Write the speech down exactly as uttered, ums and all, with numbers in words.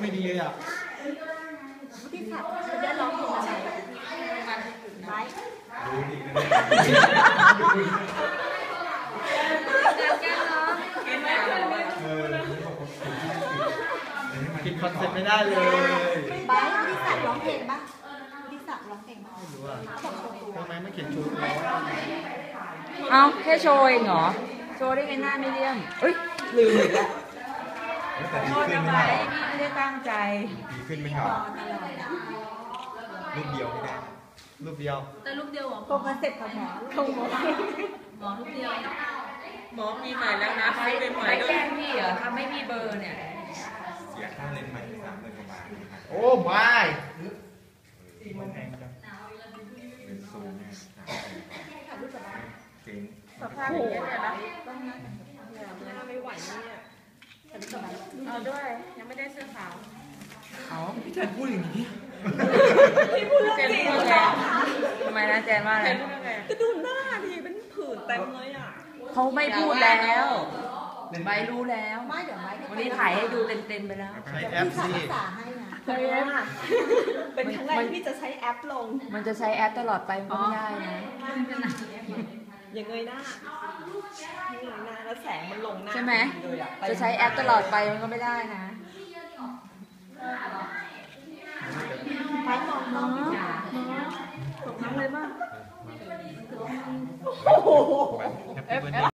ไม่ดีเลยอ่ะที่สัตว์จะได้ร้องเพลงอะไรไม้รู้ดีผิดคอนเซ็ปต์ไม่ได้เลยไม้ที่สัตว์ร้องเพลงปะที่สัตว์ร้องเพลงปะไม่รู้อ่ะทำไมไม่เขียนชูร้องเอาแค่โชว์เองเหรอโชว์ได้ไงหน้าไม่เลี่ยมเอ้ยลืมอีกแล้วโทษนะไว้พี่ไม่ได้ตั้งใจดีขึ้นไม่เหรอรูปเดียวไม่ได้รูปเดียวแต่รูปเดียวหรอคงคอนเซ็ปต์ของหมอของหมอหมอรูปเดียวหมอมีใหม่แล้วนะไม่เป็นใหม่ด้วยแกล้งพี่เหรอทำไม่มีเบอร์เนี่ยเสียค่าเลนส์ใหม่สามหมื่นกว่าบาทโอ้ไม่มันแพงจังเป็นซูมเนี่ยเจ๋งสภาพอย่างนี้เลยนะไม่ไหวเนี่ยเอาด้วยยังไม่ได้เสื้อขาวเขาพี่แจนพูดอย่างนี้พี่พูดเรื่องจริงเหรอทำไมนะแจนว่าอะไรก็ดูหน้าดิเป็นผื่นเต็มเลยอ่ะเขาไม่พูดแล้วใบรู้แล้วไม่เดี๋ยวไม่วันนี้ถ่ายให้ดูเต็มๆไปแล้วใช้แอปสิใช้แอปเป็นครั้งแรกที่จะใช้แอปลงมันจะใช้แอปตลอดไปมันก็ไม่ได้นะอย่างเงยหน้าเงยหน้าแล้วแสงมันลงหน้าใช่ไหมจะใช้แอปตลอดไปมันก็ไม่ได้นะไปมองน้องตกน้ำเลยบ้างโอ้โห